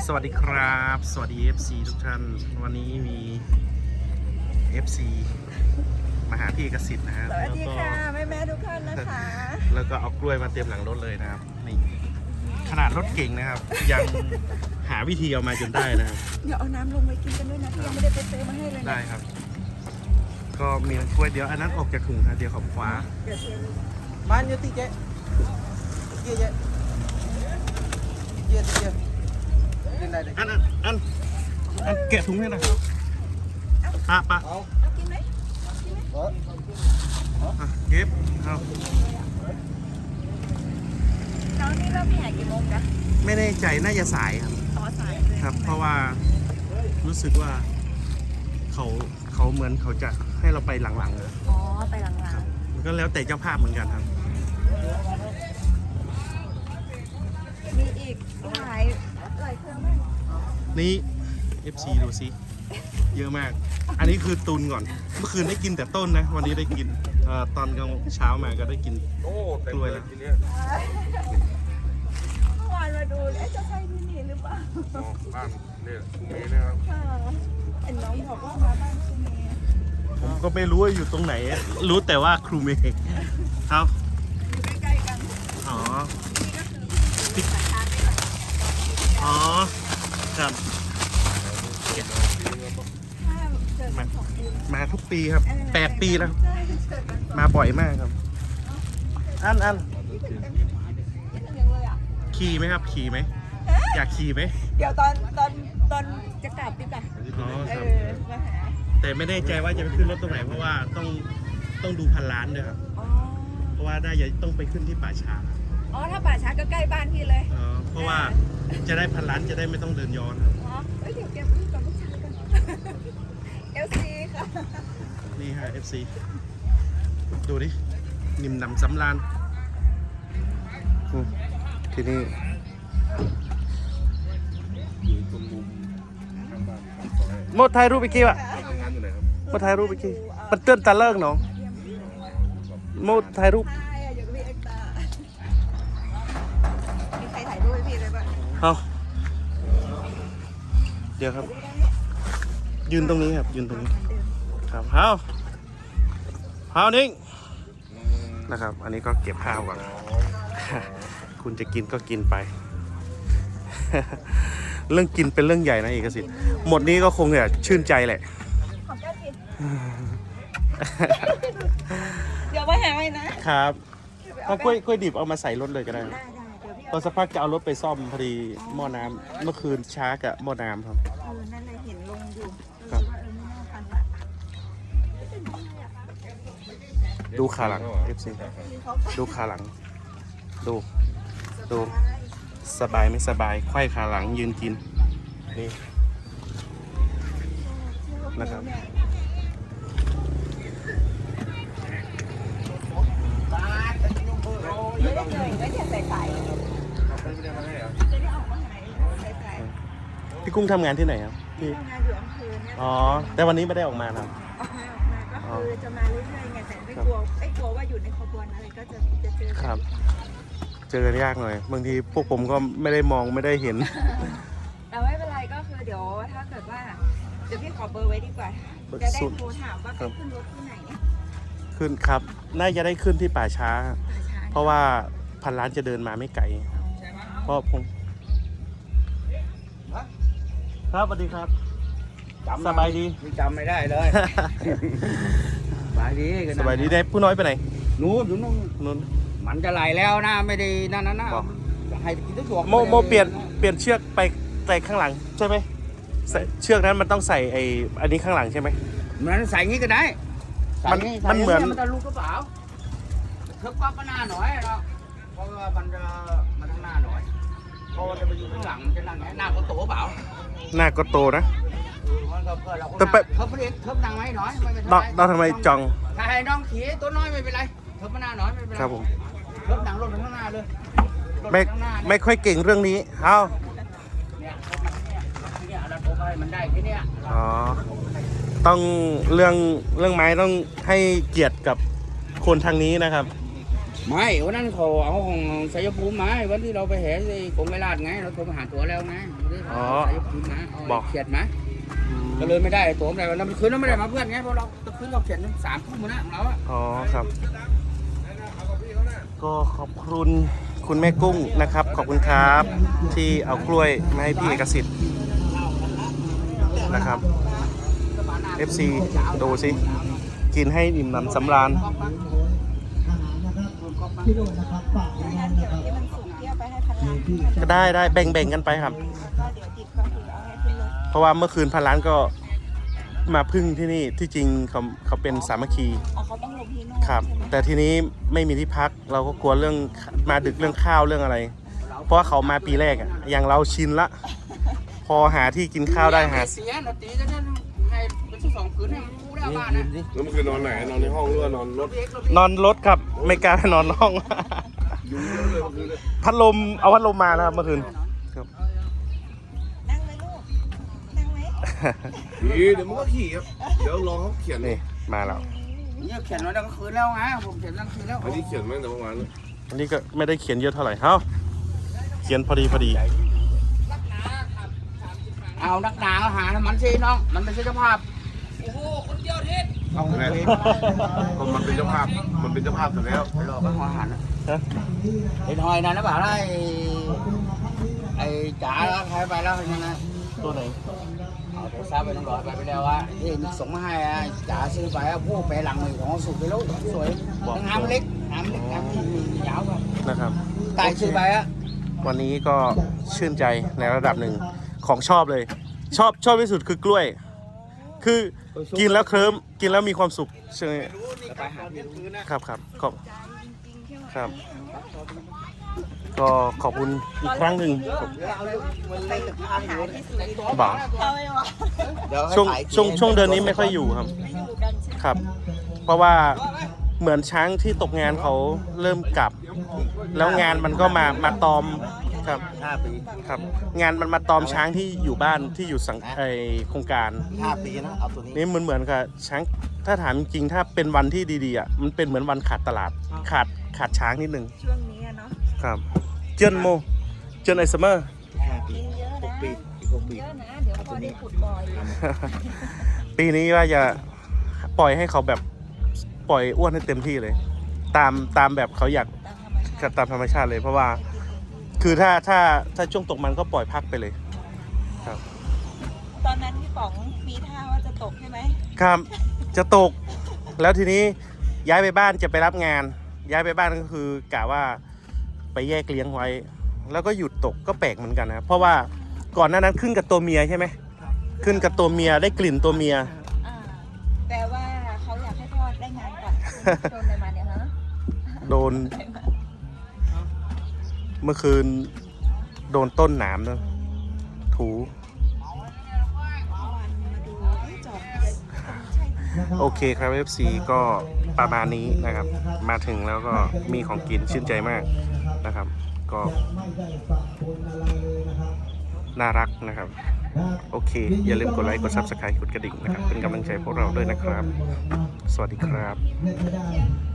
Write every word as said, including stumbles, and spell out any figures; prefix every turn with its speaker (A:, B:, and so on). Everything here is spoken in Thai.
A: สวัสดีครับสวัสดี เอฟ ซี ทุกท่านวันนี้มี เอฟ ซี มาหาพี่เอกสิทธิ์นะครับ
B: สวัสดีค่ะแม่แม่ทุกท่านนะคะ
A: แล้วก็เอากล้วยมาเต็มหลังรถเลยนะครับนี่ขนาดรถเก่งนะครับ ยังหาวิธีเอามาจนได้นะครับ
B: เดี๋ยวเอาน้ำลงไปกินกันด้วยนะที่ยังไม่ได้ไปซื้อมาให้เลยนะ
A: ได้ครับก็มีกล้วยเดียวอันนั้นออกจากถุงครับเดียวขอบคว้า
C: มันอยู่ที่เจ๊เจ๊เจ๊เจ๊เจ๊เล่นได้เลย
A: อันอันอันอันแกะถุงให้หน่อยปะปะ
C: เอา
B: เอากินไหมกินไหม
C: เอา
A: เก็บเอา
B: น้องนี่เริ่มแห่กี่โมงนะ
A: ไม่แน่ใจน่าจะสายครับ
B: ต่อสายเลย
A: ครับ เพราะว่ารู้สึกว่าเขาเขาเหมือนเขาจะให้เราไปหลังๆเลย
B: อ๋อไปหลัง
A: มันก็แล้วแต่เจ้าภาพเหมือนกันครับ
B: ๆมีอีกหลายหลายเครื่องมาก
A: นี่ เอฟ ซี ดูซิเยอะมาก อันนี้คือตุนก่อนเมื่อคืนได้กินแต่ต้นนะวันนี้ได้กินเอ่อตอนกลางเช้ามาก็ได้กินกล้วยแล้ว
B: เมื่อวานมาดูเอ๊ะจะใช่ที่นี่หรือเปล่า
D: บ้านเนี่ยคุณเมย์นะครับ
B: ค่ะเห็นน้องบอกว่ามาบ้านคุณเมย์
A: ผมก็ไม่รู้ว่าอยู่ตรงไหน รู้แต่ว่าครูเมย์เอา
B: อยู่ใกล้ๆกัน
A: อ๋อ
B: นี่ก็คือพี่สายชาร์จได้ก่อน
A: อ๋อครับ
B: ถ้าเจอกันสองปี
A: มาทุกปีครับแปดปีแล้ว
B: ใช่เจอกันสอง
A: มาบ่อยมากครับ อันอัน
B: ปีคิดถึงยังเลยอ่ะ
A: ขี่ไหมครับขี่ไหมอยากขี่ไหม
B: เดี๋ยวตอนตอนตอนจะกลับดีกว่า
A: อ๋อ
B: เอ
A: ครับ
B: อมาหา
A: แต่ไม่แน่ใจว่าจะไปขึ้นรถตรงไหนเพราะว่าต้องต้องดูพันล้านด้วยครับ
B: อ๋อ
A: เพราะว่าได้จะต้องไปขึ้นที่ป่าช้า
B: อ๋อถ้าป่าช้าก็ใกล้บ้านพี่เลย
A: เอ่อเพราะว่าจะได้พันล้านจะได้ไม่ต้องเดินย้อนครับ
B: อ๋อเอ้ยเดี๋ยวเก็บรูปกับลูกชายกันเอลซีค่ะ
A: นี่ฮะ เอฟ ซี ดูดินิ่มหนำสำราญอืมที่นี่
D: อยู่ตรงมุมข้างบ้านข้างซอย
A: โมดถ่ายรูปไปกี่วะ
D: ทำงานอยู่ไหนครับ
A: โมดถ่ายรูปไปกี่ปัดเตือนตาเลิกเนาะโมดถ่ายรูป
B: ใช่อยู่กับพี่เอ็กซ์ตามีใครถ่ายรูปให้พี่เลยป่ะ
A: เอาเดี๋ยวครับ ยืนตรงนี้ครับ ยืนตรงนี้ ครับเฮาเฮานิ่งนะครับ อันนี้ก็เก็บข้าวก่อน คุณจะกินก็กินไป เรื่องกินเป็นเรื่องใหญ่นะเอกสิทธิ์หมดนี้ก็คงจะชื่นใจแหละ
B: ขอบเจ้ากินเดี๋ยวมาหาไว้นะครับ
A: เอากล้วยกล้วยดิบเอามาใส่รถเลยก็ได้
B: ได้ได้เดี๋ยวพี่
A: ตอนสักพักจะเอารถไปซ่อมพอดีหม้อน้ำเมื่อคืนช้ากับหม้อน้ำครับ
B: เออนั่นเลยเห็นลงอยู่เออว่าเออไม่น่าทันละ
A: ดูขาหลัง เอฟ ซี ดูขาหลัง ดู ดู สบายไม่สบายไขว้ขาหลังยืนกิน นี่ นะครับ
B: ไม่ได้เลยไม่ได้ใส่ไข่จะได้ออกมาหายใส่ไข่
A: พี่กุ้งทำงานที่ไหนครับพี่
B: ทำงานอยู่อำเภอเนี่ย
A: อ๋อ แต่วันนี้ไม่ได้ออกมาครับ
B: ออกมาออกมาก็คือจะมาเรื่อยๆไงแต่ไม่กลัวไม่กลัวว่าอยู่ในขบวนอะไรก็จะจะเจอ
A: ครับ เจอกันยากหน่อย บางทีพวกผมก็ไม่ได้มองไม่ได้เห็น
B: แต่ไม่เป็นไรก็คือเดี๋ยวถ้าเกิดว่าเดี๋ยวพี่ขอเบอร์ไว้ดีกว่าจะได้โทรถามว่าขึ้นรถที่ไหน
A: ขึ้นครับ น่าจะได้ขึ้นที่ป่าช้า
B: ป่าช้า
A: เพราะว่าพันล้านจะเดินมาไม่ไกล เพราะผม ครับสวัสดีครับ สบายดี
C: จำไม่ได้เลยสบายดีกัน
A: สบายดีได้ผู้น้อยไปไหน
C: นู้นอยู่นู้น
A: นุ่น
C: มันจะไหลแล้วนะไม่ได้นั่นนะนะ
A: บอก
C: ให้กินทุกตัว
A: โมโมเปลี่ยนเปลี่ยนเชือกไปใส่ข้างหลังใช่ไหมใส่เชือกนั้นมันต้องใส่ไอ้อันนี้ข้างหลังใช่ไหม
C: มันใส่งี้ก็ได้ใส่
A: มัน
C: งี้
A: มันเหมือน
C: ใส่งี้มันจะลูกกระเป๋าเทิบปั๊บก็หน้าหน่อยเราเพราะว่ามันจะมันข้างหน้าหน่อยเพราะว่าจะไปอยู่ข้างหลังมันจะนั่งไงหน้าก็โตเปล่า
A: หน้าก็โตนะ
C: เออมันก็เพื่อเรา
A: แต่ไป
C: เทิบไปเองเทิบดังไหมหน่อยไม่เป็น
A: เรา
C: ไร
A: เราทำไมจอง
C: ถ้าให้น้องขี่ตัวน้อยไม่เป็นไรเทิบมาหน้าหน่อยไม่เป็นไร
A: ครับผม
C: เทิบดังรถไปข้างหน้าเลยรถป
A: ไม่
C: ข้างหน้าเนี่ย
A: ไม่ค่อยเก่งเรื่องนี้ เอา
C: เนี่ยเนี่ยเราโทรไปมันได้แค่เนี้ย
A: อ๋อ ต้องเรื่องเรื่องไม้ต้องให้เกียรติกับคนทางนี้นะครับ
C: ไม่วันนั้นเขาเอาของสายภูมิมาวันที่เราไปแห่ไอ้กงไกรลาดไงเราโทรมาหาตัวแล้วไงสายภูมิมาบอกเขียดมาก็เลยไม่ได้ตัวอะไรวันนั้นคืนเราไม่ได้มาเพื่อนไงเพราะเราคืนเราเขียนสามทุ่มนะเราอะ
A: อ๋อครับก็ขอบคุณคุณแม่กุ้งนะครับขอบคุณครับที่เอากล้วยมาให้พี่เอกสิทธิ์นะครับ เอฟ ซี ดูสิกินให้อิ่มหนำสำราญ
B: งั้นเดี๋ยวที่มันสุกเที่ยวไปให้พันล้าน
A: ก็ได้ได้แบ่งๆกันไปครับ
B: แล้วก็เดี๋ยวติดก็คือเอาให้ขึ้นรถ
A: เพราะว่าเมื่อคืนพันล้านก็มาพึ่งที่นี่ที่จริงเขาเขาเป็นสามัคคี
B: อ๋อเขาต้องลงที่นู่น
A: ครับ
B: ใช่ไหม
A: แต่ทีนี้ไม่มีที่พักเราก็กลัวเรื่องมาดึกเรื่องข้าวเรื่องอะไร เพราะว่าเขามาปีแรกอะอย่างเราชินละ พอหาที่กินข้าวได้หา
C: เสียนาทีจะได้ให้เป็นสองคืนให้มันรู้ได้บ้านนะ
D: แล้วมันคือนอนไหนนอนในห้องหรือว่านอนรถ
A: นอนรถครับไม่กล้านอนห้อง
D: ยุ่งเยอะเลยเมื่อคืนเลย
A: พัดลมเอาพัดลมมานะครับเมื่อคืนครับ
B: นั่งไหมลูก นั่งไหม
D: นี่เดี๋ยวมันก็ขี่ครับเดี๋ยวรอเขาเขียน
A: นี่มาแล้ว
C: เนี่ยเขียนไว้ตั้งคืนแล้วไงผมเขียนตั้งคืนแล้ว
D: อันนี้เขียนมาตั้งแต่เมื่อวานแล้ว
A: อันนี้ก็ไม่ได้เขียนเยอะเท่าไหร่เฮ้าเขียนพอดีพอดี
C: เอานักหนาเอาหามันสิน้องมันเป็นเจ้าภาพโอ้โหคนเดียวเทศ
D: เอาไงก็มันเป็นเจ้าภาพมันเป็นเจ้าภาพอยู่แล้ว
C: ไปรอก็หัวหันไอ้ทอยนั่นนะบอกว่าไอ้ไอ้จ๋าใครไปแล้วยังไง
A: ตัวไหน
C: เอาโทรศัพท์ไปต้องรอไปไปแล้วว่าที่ส่งมาให้อ่ะจ๋าซื้อไปอ่ะพวกไปหลังมือของสุกไปแล้วสวยทั้งน้ำเล็กน้ำเล็กน้ำที่ยาวแบบ
A: นะครับ
C: ตายซื้อไปอ่ะ
A: วันนี้ก็ชื่นใจในระดับหนึ่งของชอบเลย ชอบชอบที่สุดคือกล้วย คือกินแล้วเคลิ้มกินแล้วมีความสุขใช่ไหม
C: ไปหาพี่รู้
A: ครับครับขอบ
B: ใจจริงๆใช่ไหม
A: ครับ ก็ขอบคุณอีกครั้งหนึ่ง
B: ไปหาที่สุด
A: บอก
B: เอาไปวะ
A: ช่วงช่วงช่วงเดือนนี้ไม่ค่อยอยู่ครับ
B: ไม่อยู่กันใช่ไหม
A: ครับ เพราะว่าเหมือนช้างที่ตกงานเขาเริ่มกลับ แล้วงานมันก็มามาตอมครับ
E: ห้าปี
A: ครับ งานมันมาตอมช้างที่อยู่บ้านที่อยู่สังไอโครงการ
E: ห้าปีนะ เอาตัวนี้
A: นี่มันเหมือนกับช้างถ้าถามจริงๆถ้าเป็นวันที่ดีๆอ่ะมันเป็นเหมือนวันขาดตลาดขาดขาดช้างนิดนึง
B: ช่วงนี้อะเนาะ
A: ครับเจิ้นโมเจิ้นไอซัมเมอร์
E: ห้าปี
B: กินเยอะ
E: ห
B: นะ
E: กปีอีกหกปี
B: เยอะนะ เดี๋ยวพอได้ขุดบ่อยอยู่
A: ปีนี้ว่าจะปล่อยให้เขาแบบปล่อยอ้วนให้เต็มที่เลย ตามตามแบบเขาอยาก
B: ตามธรรมชาติ
A: ตามธรรมชาติเลย เพราะว่าคือถ้าถ้าถ้าช่วงตกมันก็ปล่อยพักไปเลยครับ
B: ตอนนั้นพี่ป๋องมีท่าว่าจะตกใช่ไหม
A: ครับจะตกแล้วทีนี้ย้ายไปบ้านจะไปรับงาน ย้ายไปบ้านก็คือกะว่าไปแยกเลี้ยงไว้ แล้วก็หยุดตกก็แปลกเหมือนกันนะเพราะว่าก่อนหน้านั้นขึ้นกับตัวเมียใช่ไหมขึ้นกับตัวเมียได้กลิ่นตัวเมีย
B: อ่าแปลว่าเขาอยากให้พ่อได้งานก่อนโดนอะไรมาเนี่ยฮะ
A: โดนเมื่อคืนโดนต้นหนามนะถู
B: วันมาดูเอ้ยจอดจะใช่
A: โอเคครับ เอฟ ซี ก็ประมาณนี้นะครับ มาถึงแล้วก็มีของกินชื่นใจมากนะครับ ก็น่ารักนะครับ โอเค อย่าลืมกดไลค์ กด ซับสไครบ์ กดกระดิ่งนะครับ เป็นกำลังใจพวกเราด้วยนะครับ สวัสดีครับ